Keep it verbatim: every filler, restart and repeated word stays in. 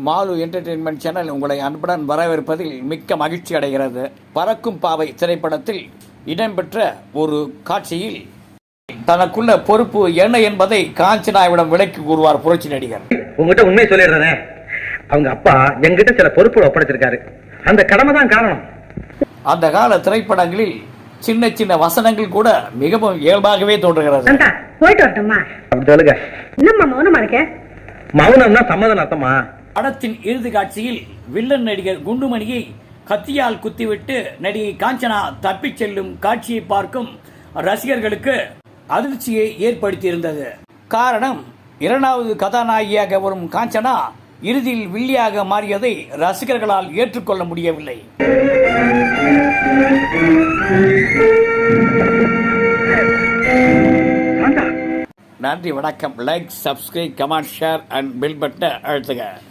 Mall entertainment channel உங்களை அன்புடன் வரவேற்பதில் மிக்க மகிழ்ச்சி அடைகிறது. பறக்கும் பாவை திரைப்படத்தில் இடம்பெற்ற ஒரு காட்சியில் தனக்குள்ள பொறுப்பு என்ன என்பதை காஞ்சனாவிடம் விளக்கி கூறுவார் புரட்சி நடிகர். உங்ககிட்ட உண்மை சொல்லிடுறேன், அவங்க அப்பா எங்கிட்ட சில பொறுப்பு ஒப்படைச்சிருக்காரு, அந்த கடமை தான் காரணம். அந்த கால திரைப்படங்களில் சின்ன சின்ன வசனங்கள் கூட மிகவும் இயல்பாகவே தோன்றுகிறது. போயிட்டு வரட்டுமா? சொல்லுங்க. என்னம்மா மௌனமா இருக்க? மௌனம்னா சம்மதம் அர்த்தமா? படத்தின் இறுதி காட்சியில் வில்லன் நடிகர் குண்டுமணியை கத்தியால் குத்திவிட்டு நடிகை காஞ்சனா தப்பிச் செல்லும் காட்சியை பார்க்கும் ரசிகர்களுக்கு அதிர்ச்சியை ஏற்படுத்தியிருந்தது. காரணம், இரண்டாவது கதாநாயகியாக வரும் காஞ்சனா இறுதியில் வில்லியாக மாறியதை ரசிகர்களால் ஏற்றுக்கொள்ள முடியவில்லை. நன்றி, வணக்கம். Like, subscribe, comment, share and bell பட்டனை அழுத்துக.